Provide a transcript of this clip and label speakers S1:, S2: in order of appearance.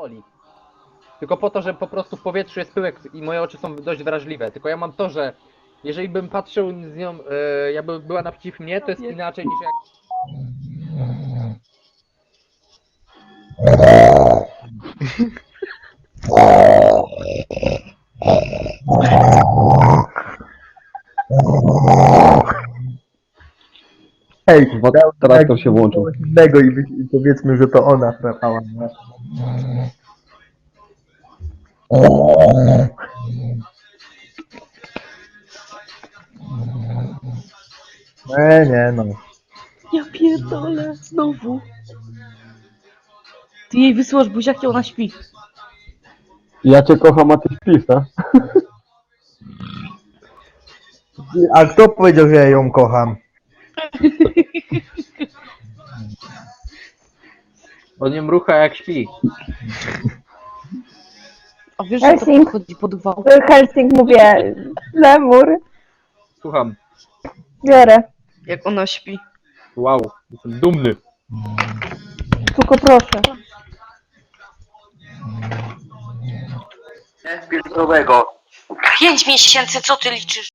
S1: boli. Tylko po to, że po prostu w powietrzu jest pyłek i moje oczy są dość wrażliwe. Tylko ja mam to, że jeżeli bym patrzył z nią, jakby była naprzeciw mnie, to jest inaczej niż jak...
S2: Hej, traktor się włączył.
S3: Innego i powiedzmy, że to ona chrapała. Nie? Nie no.
S4: Ja pierdolę, znowu. Ty jej wysyłasz buziaki, ona śpi.
S2: Ja cię kocham, a ty śpisz, tak?
S3: A kto powiedział, że ja ją kocham?
S1: On nie mrucha jak śpi.
S4: A wiesz, że to
S5: Helsing.
S4: podchodzi pod wał?
S5: Helsing, mówię, lemur,
S1: Słucham.
S5: biorę.
S4: Jak ona śpi.
S1: Wow, jestem dumny.
S5: Tylko proszę.
S4: 5 miesięcy, co ty liczysz?